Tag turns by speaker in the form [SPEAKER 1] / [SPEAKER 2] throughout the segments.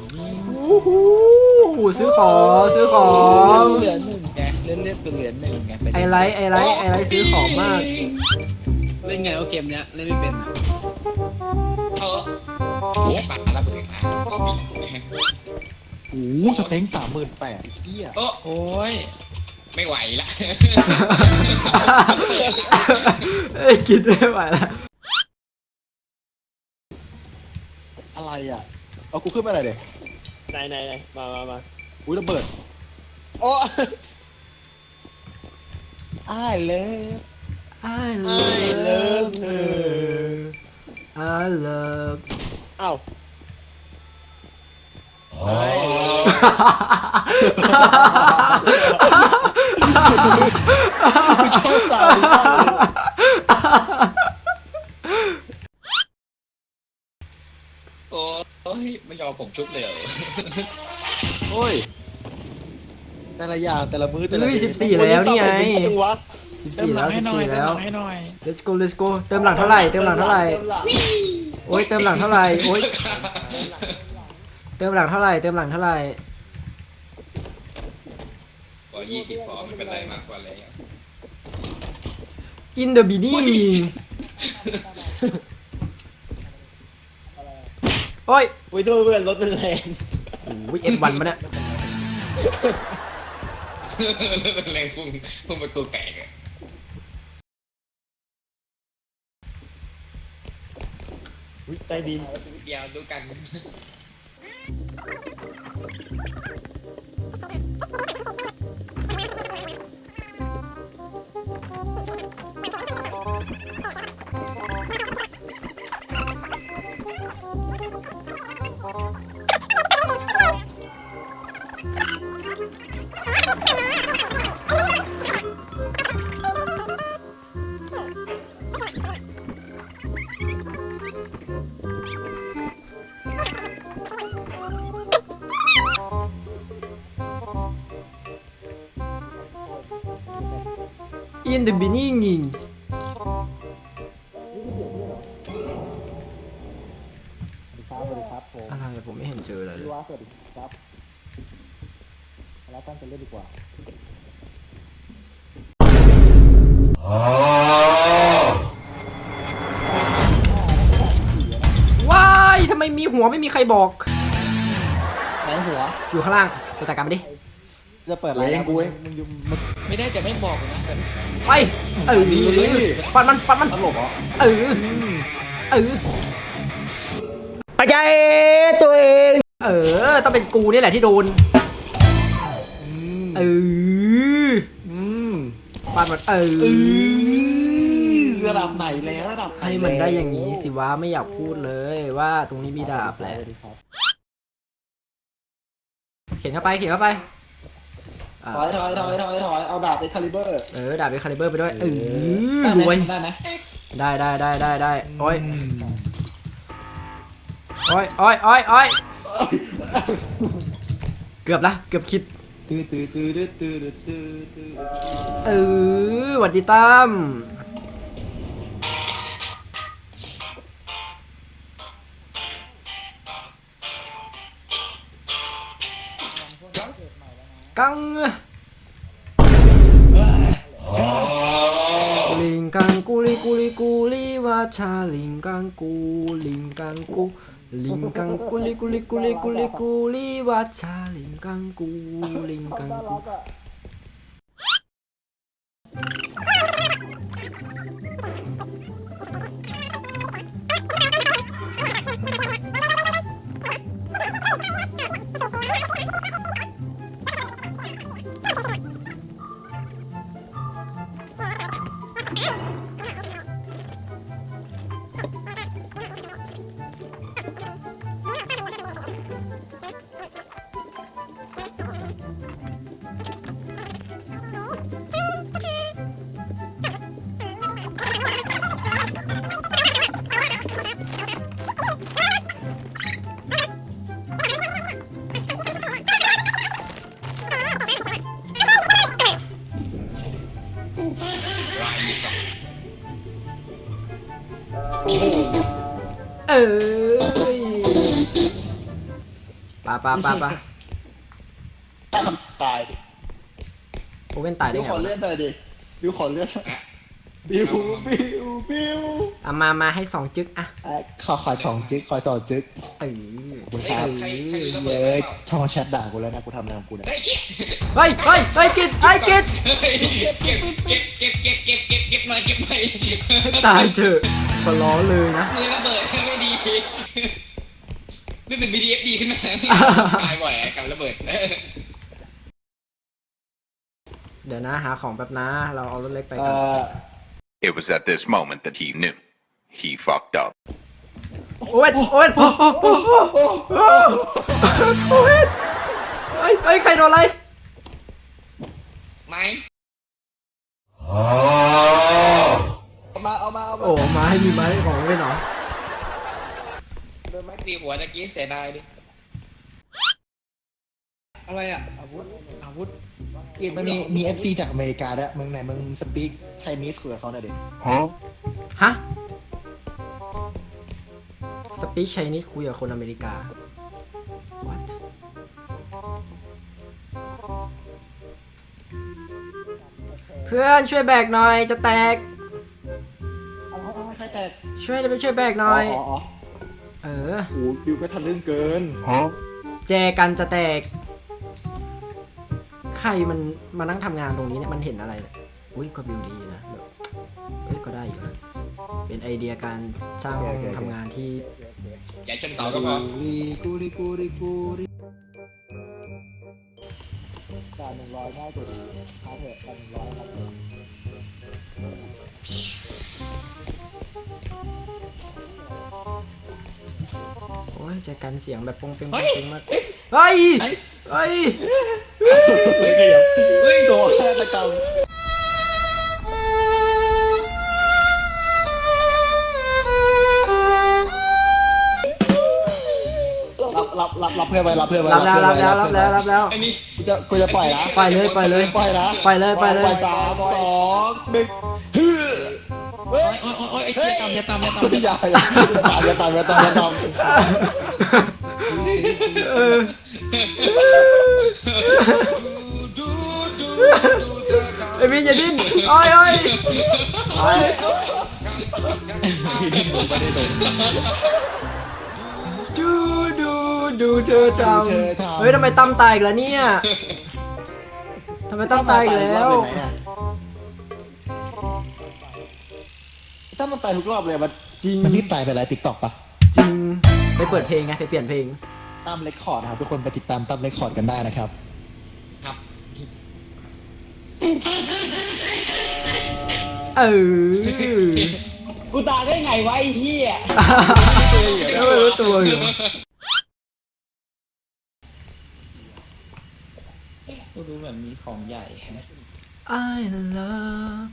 [SPEAKER 1] โอ้โหซื้อของ
[SPEAKER 2] เหลือหนึ่งไงเล่นเป็นเหลือหนึ่งไง
[SPEAKER 1] ไอไลท์ซื้อของมาก
[SPEAKER 3] เล่นไงว่าเกมเนี้ยเล่นไม่เป็น
[SPEAKER 4] โอ้ปากระเบิดนะก็ปิด
[SPEAKER 5] โอ้สเต็ง38,000เหี้ย
[SPEAKER 4] โอ้ยไม่ไหวละ
[SPEAKER 1] เอ้ยกินไม่ไหวแล้ว
[SPEAKER 5] อะไรอ่ะเอากูขึ้นมาหน่อยเด็
[SPEAKER 3] ไหนมา
[SPEAKER 5] อุ้ยระเบิดโอ้อ้ายเลย
[SPEAKER 1] I love her I love
[SPEAKER 3] อ้าว
[SPEAKER 5] กูชอบสาวมากเลย
[SPEAKER 4] โอ้ยไม่ยอมผมชุบเลย
[SPEAKER 5] โอ้ยแต่ละอย่างแต่ละมื้อแต่ละ
[SPEAKER 1] อุ้ย14แล้วนี่ไง
[SPEAKER 3] จังวะ
[SPEAKER 1] 14แล้ว
[SPEAKER 2] ให้หน่อย
[SPEAKER 1] 14แล้ว
[SPEAKER 2] ให้หน่อย
[SPEAKER 1] let's go เติมหลังเท่าไหร่โอ้ยเติมหลังเท่าไหร่โอ้ยเติมหลังเท่าไหร่
[SPEAKER 4] ก็20พอไม่เป็นไรมากกว่าเลย
[SPEAKER 1] in the beginning โอ้ย
[SPEAKER 3] อุ้ยตัวเพื่อนรถมันแรง
[SPEAKER 1] โอ้ย F1 มาเนี่ย
[SPEAKER 4] แรงพุ่งประตูแตกอะ
[SPEAKER 3] อุ้ยใต้ดิน
[SPEAKER 4] เดี๋ยวดูกัน
[SPEAKER 1] in the beginning อะไรอะผมไม่เห็นเจออะไรเลย
[SPEAKER 5] สวัสดีครับแล้วตั้งใจเล่นดีกว่า
[SPEAKER 1] ว้ายทำไมมีหัวไม่มีใครบอก
[SPEAKER 5] ไหนหัว
[SPEAKER 1] อยู่ข้างล่างไปจัดการมันดิ
[SPEAKER 5] จะเปิดอะไรกูเองมึงอยู่มึง
[SPEAKER 2] ไม่ได้จะไม่บอกนะแต่
[SPEAKER 1] ไปฟันมัน
[SPEAKER 5] ตลกเหรอ
[SPEAKER 1] เอออาจารย์ตัวเองต้องเป็นกูนี่แหละที่โดนฟันมัน
[SPEAKER 5] ระดับไหนแล้วระดับไหน
[SPEAKER 1] ให้มันได้อย่างนี้สิวะไม่อยากพูดเลยว่าตรงนี้มีดาบแหละเขียนเข้าไป
[SPEAKER 5] ถอยเอาดาบเอ็กคาลิเบอร์
[SPEAKER 1] ดาบเอ็กคาลิเบอร์ไปด้วยรวย
[SPEAKER 5] ได้ไหม
[SPEAKER 1] ได้โอ้ยเกือบละเกือบคิดหวัดดีตั้มกังลิงกังกูลีว่าชาลิงกังกูลิงกังกูลีว่าชาลิงกังกูลิงกังกูเอ้ยปะ
[SPEAKER 3] ตายดิ
[SPEAKER 1] โอเว่นตายได้
[SPEAKER 3] บิว
[SPEAKER 1] ไง
[SPEAKER 3] ขอ
[SPEAKER 1] วะ
[SPEAKER 3] เลื่อนหน่อยดิบิวขอเลื่อนบิว
[SPEAKER 1] เอามาให้2จึ๊กอะ
[SPEAKER 5] ขอสองจึ๊กขอต่อจึ๊ก
[SPEAKER 1] เออ
[SPEAKER 5] คุณครับ
[SPEAKER 4] ใครดูระเบิ
[SPEAKER 5] เย้
[SPEAKER 4] ด
[SPEAKER 5] ยช่องแชทด่ากูแล้วนะกูทำอะไรของกูเนี่ย
[SPEAKER 4] เฮ้ยเก็บ
[SPEAKER 1] เฮ้ยกิดกิด
[SPEAKER 4] เก็บมาเก็บมา
[SPEAKER 1] ให้ตายเถอะขอร้องเลยนะ
[SPEAKER 4] มือระเบิดไม่ดีรู้สึก BDF ดีขึ้นมาตายบ่อยกับระเบิด
[SPEAKER 1] เดี๋ยวนะหาของแป๊บนะเราเอารถเล็กไป
[SPEAKER 5] เอ่
[SPEAKER 1] กัน
[SPEAKER 5] อ
[SPEAKER 6] It was at this moment that he knew. He fucked up.
[SPEAKER 1] โอเว่นเฮ้ยใครโดนอะไร
[SPEAKER 4] ไม้
[SPEAKER 5] เอามา
[SPEAKER 1] โอ้มาให้มีไม้ของโอเว่นเหรอ
[SPEAKER 4] โดนไม้ตีหัวตะกี้เสียดายดิ
[SPEAKER 3] อะไรอ่ะ
[SPEAKER 5] อาวุธเกมมันมี FC จากอเมริกาด้วยมึงไหนมึงสปีกไชนีสคุยกับเขาหน่อยดิ
[SPEAKER 1] ฮะสปีชไชนีสคุยกับคนอเมริกา what เพื่อนช่วยแบกหน่อยจะแตก
[SPEAKER 5] ใครแตก
[SPEAKER 1] ช่วยแบกหน่อย เออ
[SPEAKER 5] โอ้บิวก็ทะลึ่งเกิน
[SPEAKER 1] แจกันจะแตก ใครมันมานั่งทำงานตรงนี้เนี่ยมันเห็นอะไรเนี่ยอุ้ยก็บิวดีนะแบบเฮ้ยก็ได้อยู่นะเป็นไอเดียการสร้างห้องทำงานที่
[SPEAKER 4] อย่าชนเสาก็พอ
[SPEAKER 5] กูริด่า100ง่ายสุดหาเถอะด่า100ครับ
[SPEAKER 1] โอ้ยแจกันเสียงแบบปงเปงมากเฮ้ย
[SPEAKER 4] เฮ้ย
[SPEAKER 5] โซ่ฆาตกรรมรับเพื่อนไว้รับเพื่อนไว้
[SPEAKER 1] รับแล้ว
[SPEAKER 4] ไอ้นี่
[SPEAKER 5] กูจะปล่อยนะ
[SPEAKER 1] ปล่อยเลย
[SPEAKER 5] ปล่อยนะ
[SPEAKER 1] ปล่อยเลย
[SPEAKER 5] ปล่อย3 2 1
[SPEAKER 4] โอ้ยไอ้เจ๊ตามอย่าตาม
[SPEAKER 5] อย่าตาม
[SPEAKER 1] เออไอ้วินอย่าดิ้นโอ้ยดูเธอทำเฮ้ยทำไมตั้มตายอีกแล้วเนี่ยทำไมตั้มตายอีกแล้ว
[SPEAKER 5] ถ้ามันตายทุกรอบเลยมัน
[SPEAKER 1] จริง
[SPEAKER 5] มันรีบตายไปแล้วติ๊กต็อกปะ
[SPEAKER 1] จริงไปเปิดเพลงไงไปเปลี่ยนเพลง
[SPEAKER 5] ตามเรคคอร์ดนะครับทุกคนไปติดตามตามเรคคอร์ดกันได้นะครับ
[SPEAKER 4] ครับ
[SPEAKER 1] เออ
[SPEAKER 3] กูตายได้ไงวะไอ้เหี้ย
[SPEAKER 1] แล้วไม่รู้ตัวอยู่
[SPEAKER 2] กูดูเหมือนมีของใหญ่
[SPEAKER 1] I love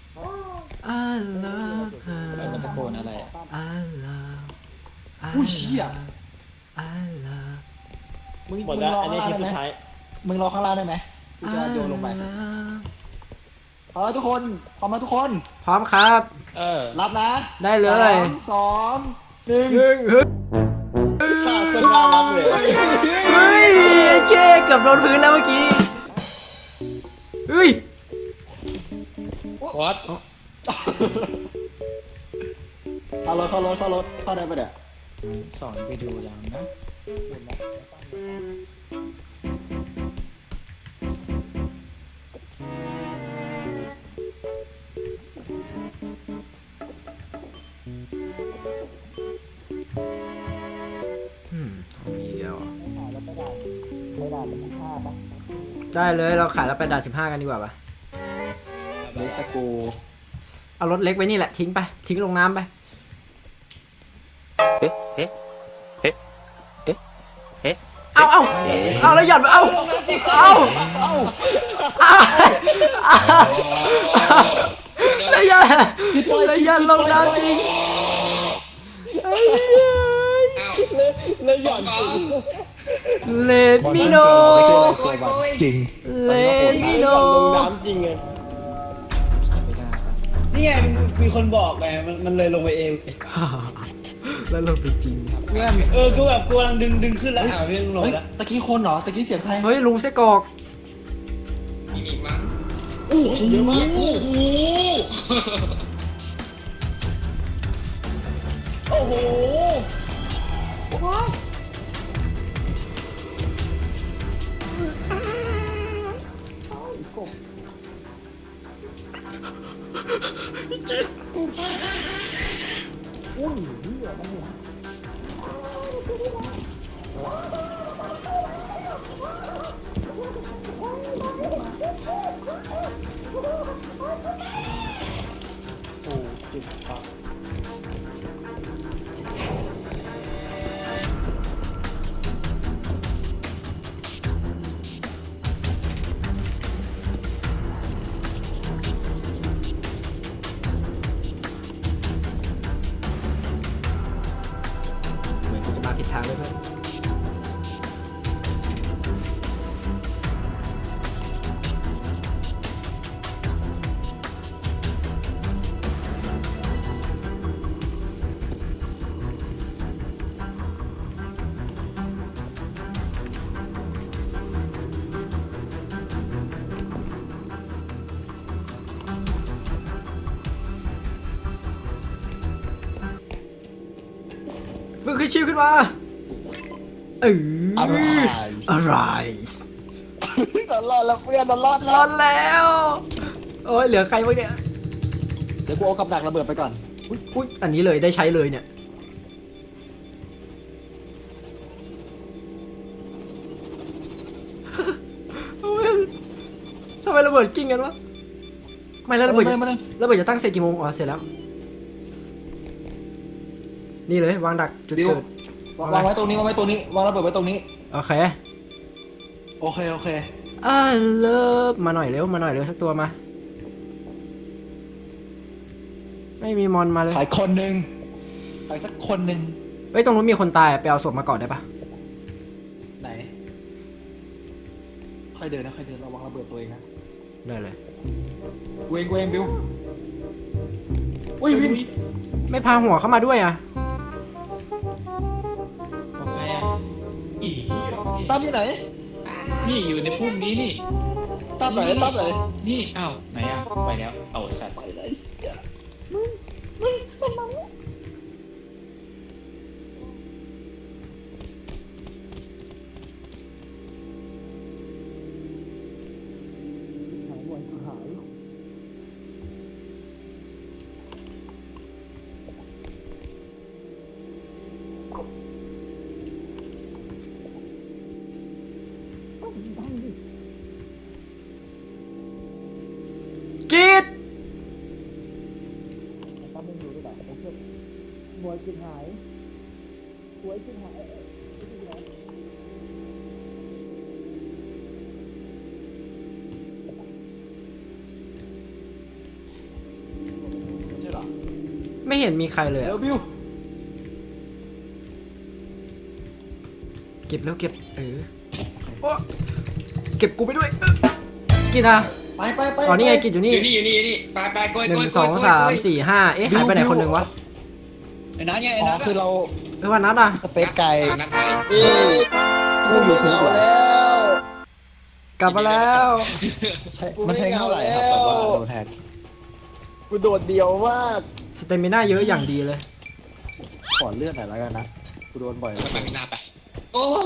[SPEAKER 1] her
[SPEAKER 2] แล้วมันตะโกนอะไร
[SPEAKER 1] I love
[SPEAKER 5] อุ้ยเชี่ย
[SPEAKER 1] I love
[SPEAKER 5] มึง
[SPEAKER 3] หมดแล้ว
[SPEAKER 5] รอ
[SPEAKER 3] อัน
[SPEAKER 5] ข้าง
[SPEAKER 3] นี้
[SPEAKER 5] ล่าง
[SPEAKER 3] ที
[SPEAKER 5] ได้ไหม
[SPEAKER 3] สุดท้าย
[SPEAKER 5] มึงรอข้างล่างได้ไหมกูจะโยนลงไปทุกคนพร้อมไหมทุกคน
[SPEAKER 1] พร้อมครับ
[SPEAKER 5] รับนะ
[SPEAKER 1] ได้เลย
[SPEAKER 5] 3 2 1
[SPEAKER 3] ท่าเครื่องน่ารักเลย
[SPEAKER 1] เฮ้ยเจ๊เกือบโดนพื้นแล้วเมื่อกี้เฮ้ย
[SPEAKER 2] วัด
[SPEAKER 5] เข้ารถเข้าได้ปะเนี่ย
[SPEAKER 2] สอนไปดูยังนะ
[SPEAKER 1] มีเดียวได้เลยเราขายแล้วไปด่าน15กันดีกว่าปะ
[SPEAKER 5] เลสโก
[SPEAKER 1] เอารถเล็กไว้นี่แหละทิ้งไปทิ้งลงน้ำไปเอาแล้วหยัดเอาแล้วหยัดลงน้ำจริง
[SPEAKER 4] อ้าว
[SPEAKER 3] เลยหย่อน
[SPEAKER 1] เลดมิโน
[SPEAKER 5] ไม่ใช่อะไรตัวมันจริง
[SPEAKER 1] เลดมิโน
[SPEAKER 3] ลงน้ำจริงไง
[SPEAKER 2] ไม่ได้ครับ
[SPEAKER 3] นี่ไงมีคนบอกไงมันเลยลงไปเอง
[SPEAKER 1] แล้วเราไปจริง
[SPEAKER 5] เพื่อน
[SPEAKER 2] กูแบบกูกำลังดึงขึ้นแล้วเรื่องลง
[SPEAKER 5] เฮ้ย
[SPEAKER 2] แล้ว
[SPEAKER 5] ตะกี้คนเหรอตะกี้เสียงใคร
[SPEAKER 1] เฮ้ยลุงไส้กรอก
[SPEAKER 4] มีอีกมั้ง
[SPEAKER 5] โอ้โหเยอะมาก
[SPEAKER 4] โอ้โห
[SPEAKER 2] โอ้โห
[SPEAKER 5] โอ้เจ็บปาก
[SPEAKER 1] เหมือนกูจะมาผิดทางด้วยเพื่อนฟื้นขึ้นชิวขึ้นมาเออ
[SPEAKER 5] อะไร
[SPEAKER 1] อะไร
[SPEAKER 5] ตลอดแล้วเพื่อนตลอด
[SPEAKER 1] รอดแล้วโอ้ยเหลือใครบ้างเนี่ย
[SPEAKER 5] เดี๋ยวกูเอากับดักระเบิดไปก่อน
[SPEAKER 1] อุ๊ยอันนี้เลยได้ใช้เลยเนี่ยโอ้ยทำไมระเบิดกิ้งกันวะไม่แล้วระเบิด
[SPEAKER 5] มาเลย
[SPEAKER 1] ระเบิดจะตั้งเสร็จกี่โมงอ๋อเสร็จแล้ว นี่เลยวางดักจุด
[SPEAKER 5] บิว
[SPEAKER 1] เกิด
[SPEAKER 5] วางไว้ตรงนี้วางไว้ตรงนี้วางระเบิดไว้ตรงนี้
[SPEAKER 1] โอเค
[SPEAKER 5] โอเคโอเค
[SPEAKER 1] เลิฟมาหน่อยเร็วมาหน่อยเร็วสักตัวมา ไม่มีมอนมาเลย
[SPEAKER 5] ขายคนหนึ่งขายสักคนหนึ่ง
[SPEAKER 1] เฮ้ยตรงนู้นมีคนตายไปเอาศพมาก่อนได้ปะ
[SPEAKER 5] ไหนค่อยเดินนะค่อยเดินระวังระเบิดตัวเองนะ
[SPEAKER 1] ได้เลย
[SPEAKER 5] กูเองบิวอุ้ยวิน
[SPEAKER 1] ไม่พาหัวเข้ามาด้วยอ่ะ
[SPEAKER 2] โอเคอ่ะอี
[SPEAKER 5] ตามที่ไหน
[SPEAKER 2] นี่อยู่ในพุ่มนี้นี่
[SPEAKER 5] ตามไหนตามไหน
[SPEAKER 2] นี่อ้าวไหนอ่ะไปแล้วเอาสัตว์
[SPEAKER 5] ไปไหน
[SPEAKER 1] กีด
[SPEAKER 5] ใช่เหรอ
[SPEAKER 1] ไม่เห็นมีใครเลย
[SPEAKER 5] เดี๋ย
[SPEAKER 1] อะ
[SPEAKER 5] วบิว
[SPEAKER 1] เก็บแล้วเก็บโอ้เก็บกูไปด้วยกีดอ่ะ
[SPEAKER 5] ไป
[SPEAKER 1] อ๋อนี่ไงกีดอยู่นี่
[SPEAKER 4] อยู่นี่อยู่นี่อยู่นี่ไปโกย
[SPEAKER 1] หนึ่
[SPEAKER 4] โก
[SPEAKER 1] ง
[SPEAKER 4] ย
[SPEAKER 1] สองสามสี่ห้าเอ๊ะหายไปไหนคนหนึ่งวะ
[SPEAKER 2] ไอ้นัทไงไอ้
[SPEAKER 5] อ๋อ
[SPEAKER 2] นัท
[SPEAKER 5] คือเรา
[SPEAKER 1] เออวันนัดอ่ะ
[SPEAKER 5] สเปซไก่
[SPEAKER 4] นัดไป
[SPEAKER 5] กูอยู่ถึงแล้ว
[SPEAKER 1] กลับมาแล้ว
[SPEAKER 5] ใช่มันแทงเท่าไหร่ครับแบบว่าโดนแทงกูโดดเดียวมาก
[SPEAKER 1] สเตมิน่าเยอะอย่างดีเลย
[SPEAKER 5] ขอเลือดหน่อยแล้วกันนะกูโดนบ่อย
[SPEAKER 4] ไปไม่น่าไป โอ้